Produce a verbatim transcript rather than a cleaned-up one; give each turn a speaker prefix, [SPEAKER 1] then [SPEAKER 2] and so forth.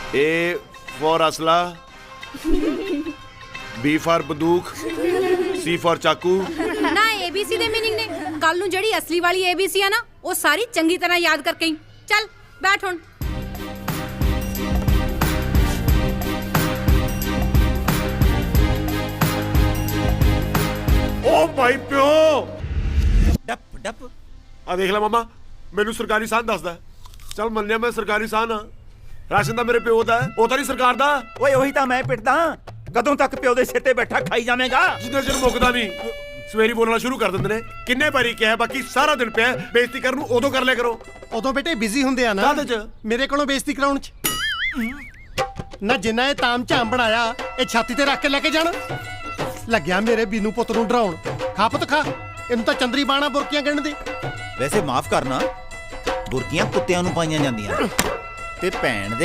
[SPEAKER 1] ए for असला, B for बंदूक, C for चाकू।
[SPEAKER 2] ना एबीसी दे मीनिंग ने कल नूं जड़ी असली वाली एबीसी है ना वो सारी चंगी तरह याद करके ही चल बैठ हुण।
[SPEAKER 1] ओ भाई प्यो
[SPEAKER 3] डप डप
[SPEAKER 1] आ देख ला मामा मैनू सरकारी साहन दसदा। चल मन्निया मैं सरकारी साहन हाँ, राशन दा मेरे प्यो दा है, ओ तां नहीं सरकार दा।
[SPEAKER 3] ओए ਉਹੀ ਤਾਂ मैं पिटदा कदों तक प्यो दे सिर ते बैठा खाई जावेगा।
[SPEAKER 1] जिन्ना चिर मुकदा नहीं सवेरी बोलना शुरू कर दिंदे ने। किन्ने बारी किहा बाकी सारा दिन पिया बेइज्जती करन नूं उदों कर लिया करो।
[SPEAKER 4] उदों बेटे बिजी हुंदे आ ना
[SPEAKER 1] काहदे च?
[SPEAKER 4] मेरे कोलों बेइज्जती कराउण च ना। जिन्ना ये ताम झाम बनाया ये छाती ते रख के लेके जाना लग्या मेरे बीनू पुੱਤ ਨੂੰ ਡਰਾਉਣ। खा पुੱਤ खा, ਇਹਨੂੰ ਤਾਂ ਚੰਦਰੀ ਬਾਣਾ ਬੁਰਕੀਆਂ ਗਿਣ ਦੇ।
[SPEAKER 3] वैसे माफ करना बुरकियां कुत्तियां नूं पाईयां जांदियां ते भैण दे